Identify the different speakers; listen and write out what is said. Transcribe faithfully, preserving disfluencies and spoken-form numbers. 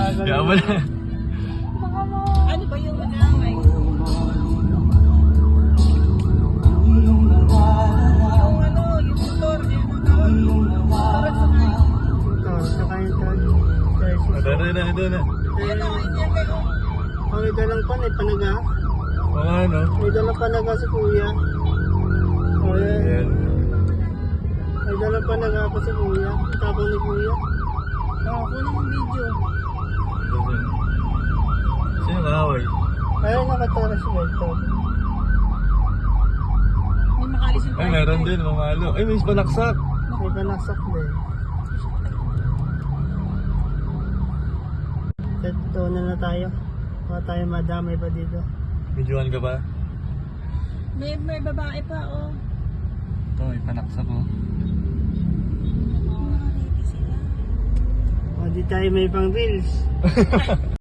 Speaker 1: Tagal
Speaker 2: Kaya
Speaker 1: na.
Speaker 2: wala.
Speaker 3: Baka mo. Ano ba yung mag-away? Yung ano, yung motor, yung tawag. Parang sa mga.
Speaker 1: Ito, saka yung tag.
Speaker 2: Ito na, ito na, ito na.
Speaker 3: Ano, hindi kayo.
Speaker 1: Oh, may dalang pan eh, panaga.
Speaker 2: O nga, no?
Speaker 1: May dalang panaga si kuya. Oh, yan.
Speaker 2: Ayan.
Speaker 1: May dalang panaga pa si kuya. Tapos ni kuya.
Speaker 3: Oo, kulang ang video.
Speaker 2: Sino kaaway?
Speaker 1: Ayun, nakatara si Beto.
Speaker 3: May makalis yung
Speaker 2: Ay, meron din, mamalo. Ay, may panaksak.
Speaker 1: May panaksak din. Ito na na tayo. Baka tayo madamay pa dito.
Speaker 2: Videoan ka ba?
Speaker 3: May, may babae pa, oh.
Speaker 2: Ito, may panaksak ko.
Speaker 3: Mga ready sila.
Speaker 1: O, di tayo may pang reels.